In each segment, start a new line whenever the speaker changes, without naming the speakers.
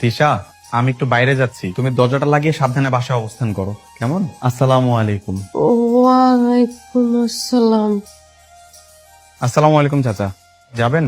তিশা, আমি একটু বাইরে যাচ্ছি, তুমি দরজাটা লাগিয়ে সাবধানে বাসায় অবস্থান করো, কেমন? আসসালামু আলাইকুম।
ওয়ালাইকুম আসসালাম।
আসসালামু আলাইকুম চাচা, যাবেন?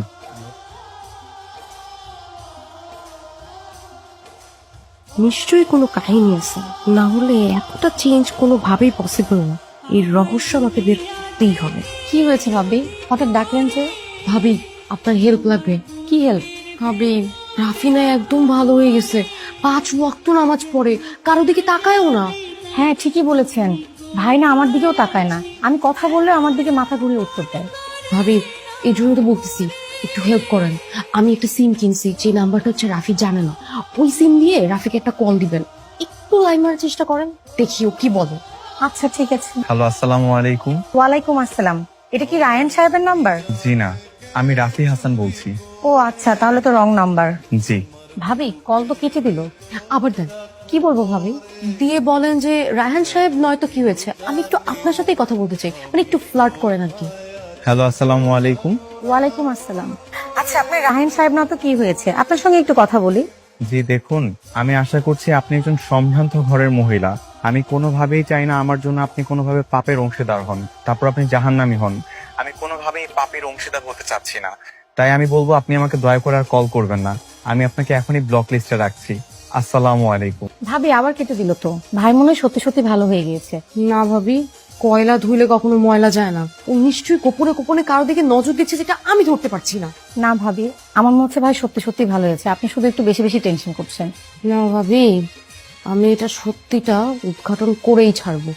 নিশ্চয়ই কোনো কাহিনী আছে, না হলে এতটা চেঞ্জ কোনোভাবেই পসিবল না। এই রহস্য আমাকে বের করতেই হবে।
কি হয়েছে ভাবি, হঠাৎ ডাকলেন যে?
ভাবি, আপনার হেল্প লাগবে।
কি হেল্প?
ভাবি, রাফিনা একদম ভালো হয়ে গেছে। 5 ওয়াক্ত নামাজ পড়ে, কারো দিকে তাকায়ও না।
হ্যাঁ ঠিকই বলেছেন, ভাই না আমার দিকেও তাকায় না, আমি কথা বললে আমার দিকে মাথা ঘুরিয়ে উত্তর দেয়।
ভাবি, এই জন্য তো বলতেছি একটু হেল্প করেন। আমি একটা সিম কিনছি, যে নাম্বারটা হচ্ছে রাফি জানে না। ওই সিম দিয়ে রাফিকে একটা কল দিবেন। একটু লাইন মারার চেষ্টা করেন, দেখি ও কি বলে।
আচ্ছা ঠিক আছে।
হ্যালো, আসসালামু আলাইকুম।
ওয়ালাইকুম আসসালাম। এটা কি রায়ান সাহেবের নাম্বার?
জি না, আমি রাফি হাসান বলছি।
ও আচ্ছা, তাহলে তো রং নাম্বার।
জি।
ভাবি কল তো কেটে দিল।
আবার দেন,
কি বলবো ভাবি?
দিয়ে বলেন যে রায়হান সাহেব নয়তো কি হয়েছে, আমি একটু আপনার সাথেই কথা বলতে চাই, মানে একটু ফ্লার্ট করেন আর কি।
হ্যালো, আসসালামু আলাইকুম।
ওয়ালাইকুম আসসালাম। আচ্ছা আপনি রাহিন সাহেব না তো কি হয়েছে, আপনার সঙ্গে একটু কথা বলি।
জি দেখুন, আমি আশা করছি আপনি একজন সম্ভ্রান্ত ঘরের মহিলা। আমি কোনোভাবেই চাই না আমার জন্য আপনি কোনোভাবে পাপের অংশীদার হন, তারপর আপনি জাহান্নামী হন। আমি কোনোভাবেই পাপের অংশীদার হতে চাচ্ছি না। তাই আমি বলবো আপনি আমাকে দয়া করে আর কল করবেন না। আমি আপনাকে এখনই ব্লক লিস্টে রাখছি। আসসালামু আলাইকুম।
ভাবি আবার কেটে দিল তো। ভাই মনে হয় সত্যি সত্যি ভালো হয়ে গিয়েছে।
না ভাবি, কয়লা ধুইলে কখনো ময়লা যায় না। ও নিশ্চয়ই গোপনে গোপনে কারো দিকে নজর দিচ্ছে, যেটা আমি ধরতে পারছি না।
না ভাবি, আমার মনে হচ্ছে ভাই সত্যি সত্যি ভালো হয়েছে, আপনি শুধু একটু বেশি বেশি টেনশন করছেন।
না ভাবি, আমি এটা সত্যিটা উদ্ঘাটন করেই ছাড়বো।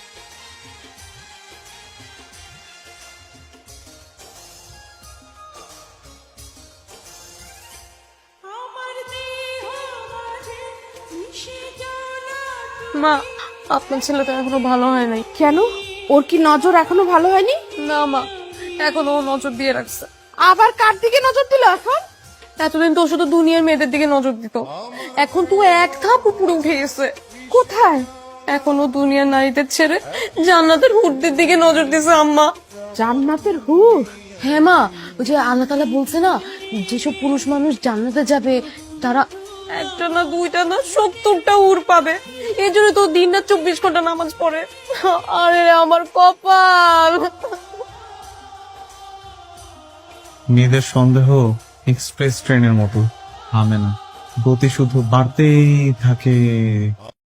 মা, আপনার ছেলেটা এখনো ভালো হয় নাই।
কেন? ওর কি নজর এখনো ভালো হয়নি?
না মা, এখনো ও নজর দিয়ে রাখছে।
আবার কার দিকে নজর দিল এখন?
এতদিন তো ও শুধু দুনিয়ার মেয়েদের দিকে নজর দিত, এখন তো ও এক ধাপ উপরে উঠে গেছে।
কোথায়?
এখনো দুনিয়ার নারীদের ছেড়ে জান্নাতের হুরদের দিকে নজর দিছে আম্মা।
জান্নাতের হুর?
হ্যাঁ মা, ওই যে আল্লাহ তাআলা বলছে না, যেসব পুরুষ মানুষ জান্নাতে যাবে তারা একটা না দুইটা না 70টা হুর পাবে। এই জন্য তো দিন রাত 24 ঘন্টা নামাজ পড়ে। আরে আমার কপাল।
মেয়েদের সন্দেহ এক্সপ্রেস ট্রেনের মতো থামে না, গতি শুধু বাড়তেই থাকে।